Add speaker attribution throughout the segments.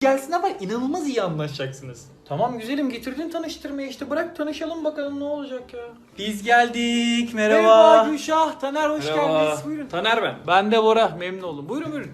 Speaker 1: gelsin ama inanılmaz iyi anlaşacaksınız. Tamam güzelim, getirdin tanıştırmaya, işte bırak tanışalım bakalım ne olacak ya. Biz geldik, merhaba. Gülşah, Taner hoş geldiniz. Buyurun. Taner ben. Ben de Bora, memnun oldum. Buyurun buyurun.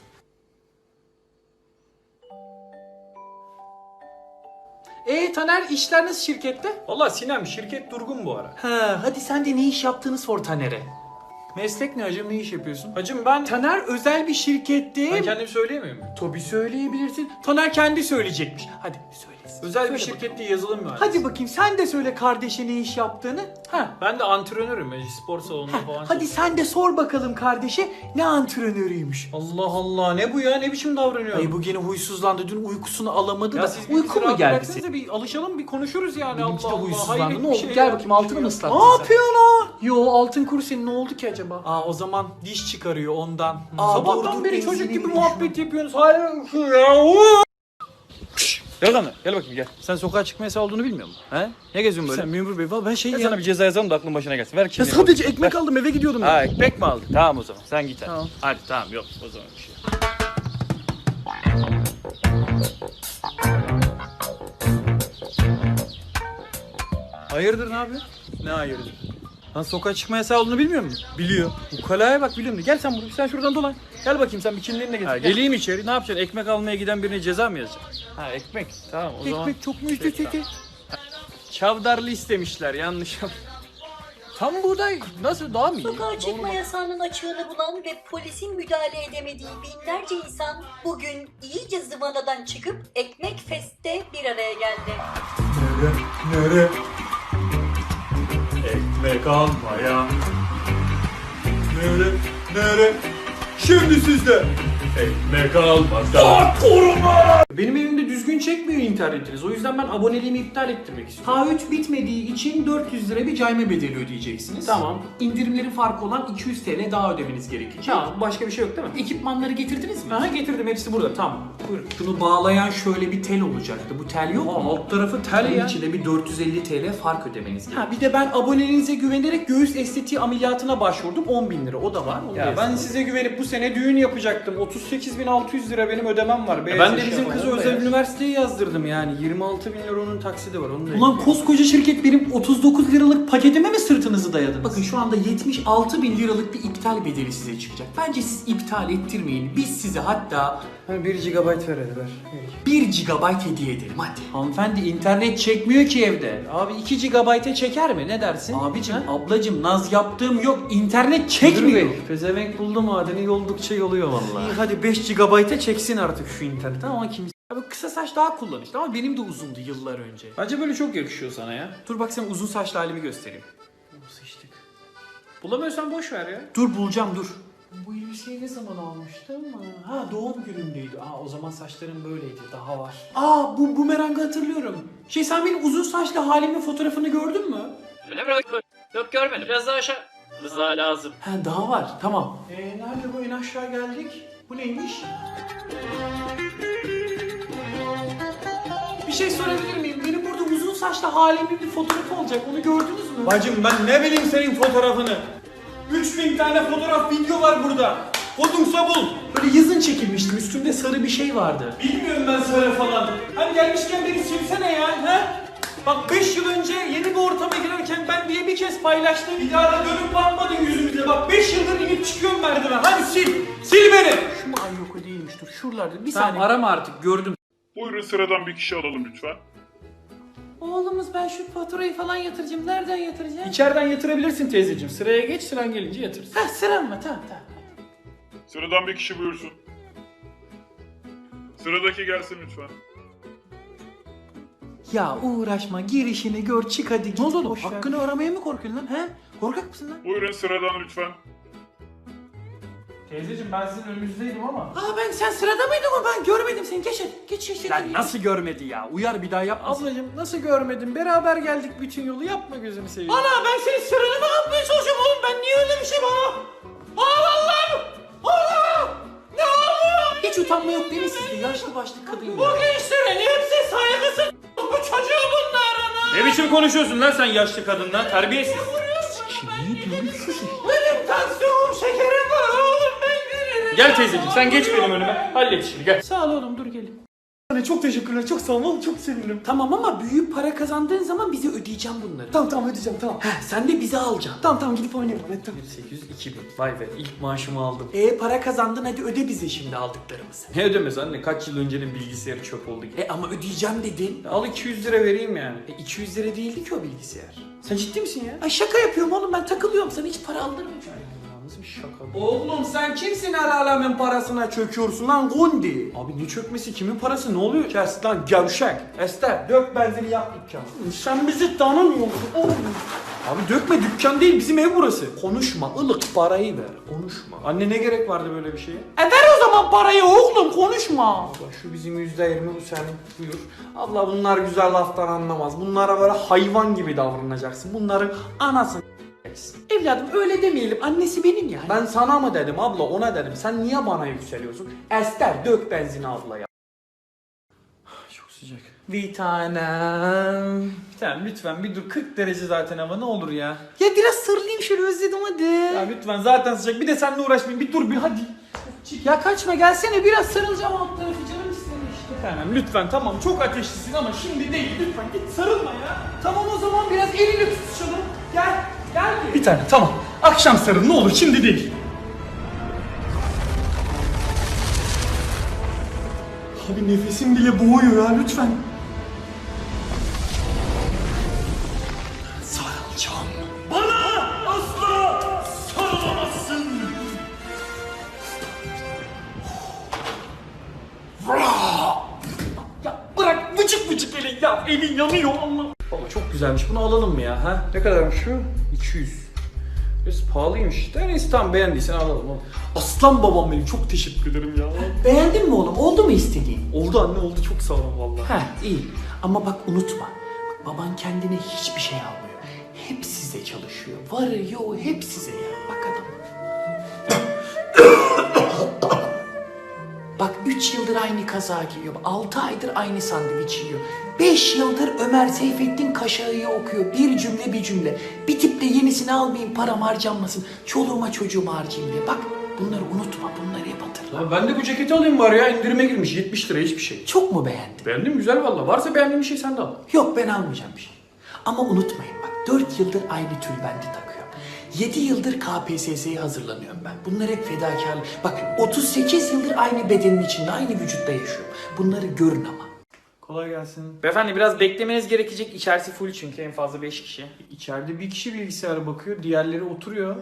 Speaker 1: Taner, işler nasıl şirkette? Valla Sinem, şirket durgun bu ara. Ha, hadi sen de ne iş yaptığını sor Taner'e. Meslek ne hacım, ne iş yapıyorsun? Hacım ben... Taner özel bir şirkette... Ben kendim söyleyemiyor muyum? Tabii söyleyebilirsin. Taner kendi söyleyecekmiş. Hadi söylesin. Özel söyle bir şirkette yazılım mühendisi. Hadi bakayım sen de söyle kardeşe ne iş yaptığını. Ha. Ben de antrenörüm. Spor salonunda falan. Hadi sen de sor bakalım kardeşe ne antrenörüymüş. Allah Allah, ne bu ya, ne biçim davranıyor? Ay bu gene huysuzlandı, dün uykusunu alamadı ya da. Uyku mu geldi senin? Bir alışalım, bir konuşuruz yani. Benimki de huysuzlandı. Ne oldu? Gel bakayım, altını mı ıslattın sen? Ne yapıyorsun lan? Yo, altın kuru senin, ne oldu ki acaba? O zaman diş çıkarıyor ondan. Sabahtan beri çocuk gibi muhabbet yapıyorsunuz. Hayır ya. Gel lan, gel bakayım gel. Sen sokağa çıkma yasağı olduğunu bilmiyor musun? He? Ne geziyorsun böyle? Sen memur bey, ben şey ya. Sana bir ceza yazalım da aklın başına gelsin. Ver kimliğini. Ya sadece ekmek aldım, eve gidiyordum. Ha, ekmek mi aldın? Tamam o zaman, sen git hadi. Tamam. Hadi tamam, yok o zaman bir şey. Hayırdır, ne yapıyorsun? Ne hayırdır? Lan sokağa çıkma yasağı olduğunu bilmiyor musun? Biliyor. Ukalaya bak, biliyorum. Gel sen buraya, sen şuradan dolan. Gel bakayım, sen bir kimliğinle getir. Geleyim içeri, ne yapacaksın? Ekmek almaya giden birine ceza mı yazacaksın? Ha, ekmek. Tamam o zaman. Ekmek çok mu üstü? Çavdarlı istemişler, yanlış. Tam buğday nasıl, daha mı iyi?
Speaker 2: Sokağa çıkma yasağının açığını bulan ve polisin müdahale edemediği binlerce insan bugün iyice zıvanadan çıkıp Ekmek Fest'te bir araya geldi.
Speaker 1: Nere? Ekmek almaya. Nere? Şimdi sizde. Ekmek almasa. Koruma! Benim evimde düzgün çekmiyor internetiniz. O yüzden ben aboneliğimi iptal ettirmek istiyorum. Taahhüt bitmediği için 400 lira bir cayma bedeli ödeyeceksiniz. Tamam. İndirimlerin farkı olan 200 TL daha ödemeniz gerekecek. Tamam. Başka bir şey yok değil mi? Ekipmanları getirdiniz mi? Getirdim. Hepsi burada. Tamam. Buyurun. Şunu bağlayan şöyle bir tel olacaktı. Bu tel yok mu? Alt tarafı tel ya. İçinde bir 450 TL fark ödemeniz gerekiyor. Bir de ben aboneliğinize güvenerek göğüs estetiği ameliyatına başvurdum. 10.000 lira. O da var. Ya ben size güvenip bu sene düğün yapacaktım. 38.600 lira benim ödemem var. Ben de bizim kızı özel üniversiteye yazdırdım yani. 26.000 lira onun taksidi var. Onu da ulan koskoca şirket benim 39 liralık paketime mi sırtınızı dayadınız? Bakın şu anda 76.000 liralık bir iptal bedeli size çıkacak. Bence siz iptal ettirmeyin. Biz size hatta 1 GB ver hadi ver. 1 GB hediye edelim hadi. Hanımefendi internet çekmiyor ki evde. Abi 2 GB'e çeker mi? Ne dersin? Abicim, ablacım naz yaptığım yok. İnternet çekmiyor. Pezevenk buldu madeni yoldukça yoluyor vallahi. İyi hadi 5 GB'e çeksin artık şu internet ama kimse. Abi kısa saç daha kullanışlı ama benim de uzundu yıllar önce. Bence böyle çok yakışıyor sana ya. Dur bak sana uzun saçlı halimi göstereyim. Sıçtık. Bulamıyorsan boş ver ya. Dur bulacağım dur. Bu elbiseyi ne zaman almıştım? Doğum günümdeydi. O zaman saçlarım böyleydi. Daha var. Bu bumerangı hatırlıyorum. Sen benim uzun saçlı halimin fotoğrafını gördün mü?
Speaker 3: Öyle mi? Yok görmedim. Biraz daha aşağı. Rıza lazım.
Speaker 1: Daha var. Tamam. Nerede bu? En aşağı geldik. Bu neymiş? Bir şey sorabilir miyim? Benim burada uzun saçlı halimin bir fotoğrafı olacak. Onu gördünüz mü? Bacım ben ne bileyim senin fotoğrafını. 3000 tane fotoğraf, video var burada. Kodumsa bul. Böyle yazın çekilmiştim. Üstümde sarı bir şey vardı. Bilmiyorum ben sarı falan. Hani gelmişken beni silsene ya. Bak 5 yıl önce yeni bir ortama girerken ben diye bir kez paylaştım. Bir daha da dönüp bakmadın yüzümüze. Bak 5 yıldır inip çıkıyorum merdiven. Hadi sil. Sil beni. Şu mu? Ay yok o değilmiş. Dur şuralarda. Bir saniye. Arama artık, gördüm.
Speaker 4: Buyurun, sıradan bir kişi alalım lütfen.
Speaker 1: Oğlumuz, ben şu faturayı falan yatıracağım. Nereden yatıracağım? İçeriden yatırabilirsin teyzeciğim. Sıraya geç, sıran gelince yatırsın. Sıram mı? Tamam.
Speaker 4: Sıradan bir kişi buyursun. Sıradaki gelsin lütfen.
Speaker 1: Ya uğraşma, girişini gör, çık hadi git. Ne oldu oğlum? Hakkını aramaya mı korkuyorsun lan? Korkak mısın lan?
Speaker 4: Buyurun sıradan lütfen.
Speaker 1: Teyzeciğim ben sizin önünüzdeydim ama. Sen sırada mıydın o? Ben görmedim seni. Geç. Lan nasıl görmedi ya? Uyar bir daha yapmasın. Ablacığım nasıl görmedim? Beraber geldik bütün yolu. Yapma gözünü seveyim. Ana ben senin sıranı mı yapmaya çalışıyorum oğlum? Ben niye öyle bir şey bana? Allah'ım! Ne oluyor? Hiç utanma yok değil mi sizde? Yaşlı başlı kadın ya. Bu gençlerin hepsi saygısız. Bu çocuğu bunlar. Ne biçim konuşuyorsun lan sen yaşlı kadınla? Terbiyesiz. Ne diyorsun? Benim tansiyonum, şekerim var oğlum, ben gelirim. Gel teyzeciğim sen geç benim önüme. Hallet işini gel. Sağ ol oğlum, dur gelin. Çok teşekkürler, çok sağ ol, çok sevindim. Tamam ama büyük para kazandığın zaman bize ödeyeceğim bunları. Tamam ödeyeceğim, tamam. Sen de bize alacaksın. Tamam gidip oynayalım. Evet, tamam. 800, 2000. Vay be, ilk maaşımı aldım. Para kazandın, hadi öde bize şimdi aldıklarımızı. Ne ödemez anne, kaç yıl öncenin bilgisayarı çöp oldu. Ama ödeyeceğim dedin. Al 200 lira vereyim yani. 200 lira değildi ki o bilgisayar. Sen ciddi misin ya? Ay şaka yapıyorum oğlum, ben takılıyorum, sana hiç para aldırmayacağım. Nasıl bir şaka? Oğlum sen kimsin her alemin parasına çöküyorsun lan Gundi? Abi ne çökmesi, kimin parası, ne oluyor? Kes lan gevşek. Ester dök benzini yak dükkanı. Sen bizi tanımıyorsun oğlum. Abi dökme, dükkan değil bizim ev burası. Konuşma, ılık parayı ver, konuşma. Anne ne gerek vardı böyle bir şeye? Ver o zaman parayı oğlum, konuşma. Bak şu bizim %20, bu senin, buyur. Abla bunlar güzel laftan anlamaz. Bunlara böyle hayvan gibi davranacaksın. Bunların anasını evladım öyle demeyelim, annesi benim yani. Ben sana mı dedim abla, ona dedim. Sen niye bana yükseliyorsun? Ester dök benzini ablaya. Çok sıcak. Bir tanem. Bir tanem lütfen bir dur, 40 derece zaten hava, ne olur ya. Ya biraz sarılayım şöyle, özledim hadi. Ya lütfen zaten sıcak, bir de seninle uğraşmayayım, bir dur bir hadi. Ya kaçma, gelsene biraz sarılacağım, alt tarafı canım istedi işte. Bir tanem lütfen, tamam çok ateşlisin ama şimdi değil, lütfen git sarılma ya. Tamam o zaman biraz elini tutuşalım. Gel. Bir tane tamam. Akşam sarıl ne olur, şimdi değil. Abi nefesim bile boğuyor ya, lütfen. Sarılacağım. Bana asla sarılamazsın. Ya bırak vıcık elin ya, elin yanıyor Allah. Baba çok güzelmiş, bunu alalım mı ya? Ha? Ne kadarmış şu? 200. Biraz pahalıymış. Neyse tamam, beğendiysen alalım oğlum. Aslan babam benim, çok teşekkür ederim ya. Beğendin mi oğlum? Oldu mu istediğin? Oldu anne, oldu, çok sağ ol vallahi. Heh iyi ama bak unutma. Bak, baban kendine hiçbir şey almıyor. Hep size çalışıyor. Varı yoğu hep size ya. Bak adam. Bak 3 yıldır aynı kaza giyiyor. 6 aydır aynı sandviç yiyor. 5 yıldır Ömer Seyfettin Kaşağı'yı okuyor. Bir cümle bir cümle. Bir tip de yenisini almayayım, param harcanmasın. Çoluğuma çocuğuma harcayayım diye. Bak bunları unutma, bunları hep hatırla. Ben de bu ceketi alayım bari ya, indirime girmiş 70 lira hiçbir şey. Çok mu beğendin? Beğendim, güzel valla. Varsa beğendiğin bir şey sen de al. Yok ben almayacağım bir şey. Ama unutmayın bak, 4 yıldır aynı tülbenti takıyorum. 7 yıldır KPSS'ye hazırlanıyorum ben. Bunlar hep fedakarlık. Bak 38 yıldır aynı bedenin içinde, aynı vücutta yaşıyorum. Bunları görün ama. Kolay gelsin. Beyefendi biraz beklemeniz gerekecek. İçerisi full çünkü en fazla 5 kişi. İçeride bir kişi bilgisayara bakıyor, diğerleri oturuyor.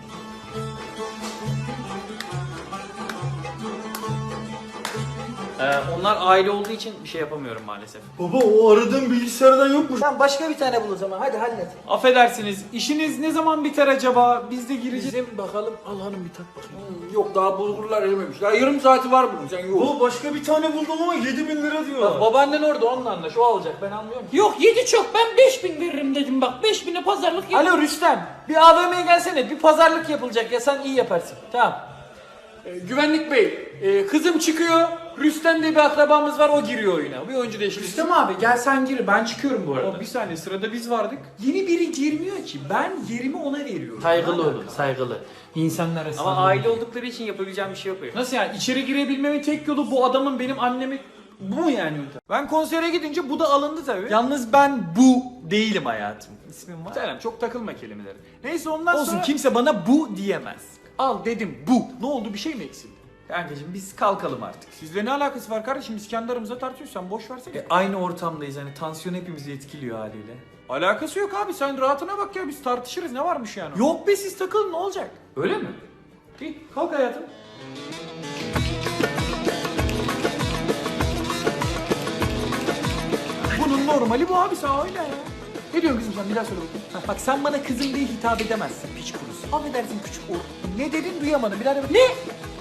Speaker 1: Onlar aile olduğu için bir şey yapamıyorum maalesef.
Speaker 5: Baba o aradığın bilgisayardan yokmuş.
Speaker 1: Tamam başka bir tane bul o zaman, hadi hallet. Affedersiniz, işiniz ne zaman biter acaba? Biz de gireceğiz.
Speaker 5: Bizim bakalım al hanım bir tak bakayım. Yok daha bulgurlar erimemiş. Daha yarım saati var bunun, sen yok. Baba başka bir tane buldum ama 7.000 lira diyor.
Speaker 1: Bak babaannen orada, onunla anlaş, o alacak, ben anlıyorum. Yok 7 çok, ben 5.000 veririm dedim bak, 5.000'e pazarlık yap. Alo Rüstem, bir AVM'ye gelsene, bir pazarlık yapılacak ya, sen iyi yaparsın. Tamam. Güvenlik bey, kızım çıkıyor, Rüstem diye bir akrabamız var, o giriyor oyuna. Bir oyuncu değişikliği. Rüstem abi gel sen gir, ben çıkıyorum bu arada. Bir saniye, sırada biz vardık. Yeni biri girmiyor ki, ben yerimi ona veriyorum. Saygılı olun, saygılı. İnsanlar arasında. Ama aile oldukları için yapabileceğim bir şey yok. Nasıl yani? İçeri girebilmemin tek yolu bu adamın benim annemi... Bu mu yani? Ben konsere gidince bu da alındı tabii. Yalnız ben bu değilim hayatım. İsmim var. Selam, çok takılma kelimeleri. Neyse ondan sonra... Olsun, kimse bana bu diyemez. Al dedim bu. Ne oldu, bir şey mi eksildi? Kankacığım biz kalkalım artık. Sizle ne alakası var kardeşim? Biz kendi aramızda tartışıyoruz, sen boş versene. Aynı ortamdayız, hani tansiyon hepimizi etkiliyor haliyle. Alakası yok abi, sen rahatına bak ya, biz tartışırız, ne varmış yani? Yok be, siz takılın, ne olacak? Öyle mi? İyi, kalk hayatım. Bunun normali bu abi, sen öyle ya. Ne diyorsun kızım sen, bir daha söyle bakayım. Bak sen bana kızım diye hitap edemezsin, piç kurusu. Affedersin küçük oğlum. Ne dedin duyamadım, bir daha de bak. Ne?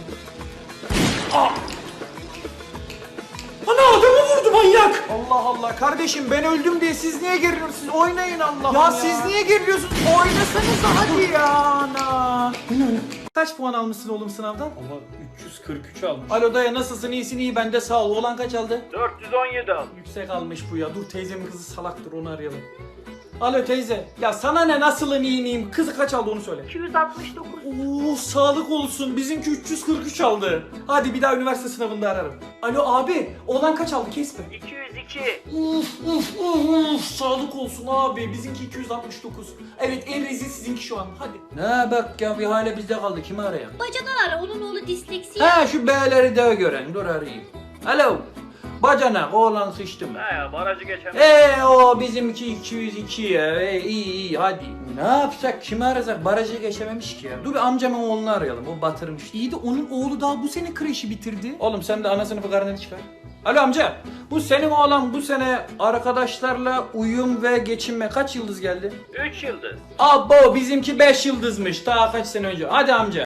Speaker 1: Ana adamı vurdu manyak. Allah Allah kardeşim, ben öldüm diye siz niye geriliyorsunuz? Siz oynayın Allah ya. Siz niye geriliyorsunuz? Oynasanız hadi ya ana. Kaç puan almışsın oğlum sınavdan? Allah 343 almış. Alo dayı, nasılsın, iyisin? İyi ben de sağ ol. Oğlan kaç aldı?
Speaker 5: 417 al.
Speaker 1: Yüksek almış bu ya. Dur teyzemin kızı salaktır, onu arayalım. Alo teyze. Ya sana ne, nasılım iyi miyim? Kızı kaç aldı onu söyle.
Speaker 2: 269.
Speaker 1: Oo sağlık olsun. Bizimki 343 aldı. Hadi bir daha üniversite sınavında ararım. Alo abi. Oğlan kaç aldı kesme.
Speaker 3: 202.
Speaker 1: Uf, sağlık olsun abi. Bizimki 269. Evet en rezil sizinki şu an. Hadi. Ne bak ya bir hale bizde kaldı. Kimi arayalım?
Speaker 2: Bacadan ara, onun oğlu disleksi.
Speaker 1: Ha şu B'leri de gören. Dur arayayım. Alo. Bacanak oğlan sıçtı mı?
Speaker 3: Ha ya barajı geçemem.
Speaker 1: O bizimki 202 ya. İyi hadi. Ne yapsak? Kimi arasak? Barajı geçememiş ki ya. Dur bir amcamın oğlunu arayalım. O batırmış. İyi de onun oğlu daha bu sene kreşi bitirdi. Oğlum sen de ana sınıfı karneni çıkar. Alo amca. Bu senin oğlan bu sene arkadaşlarla uyum ve geçinme kaç yıldız geldi?
Speaker 3: 3 yıldız.
Speaker 1: Abo bizimki 5 yıldızmış. Daha kaç sene önce. Hadi amca.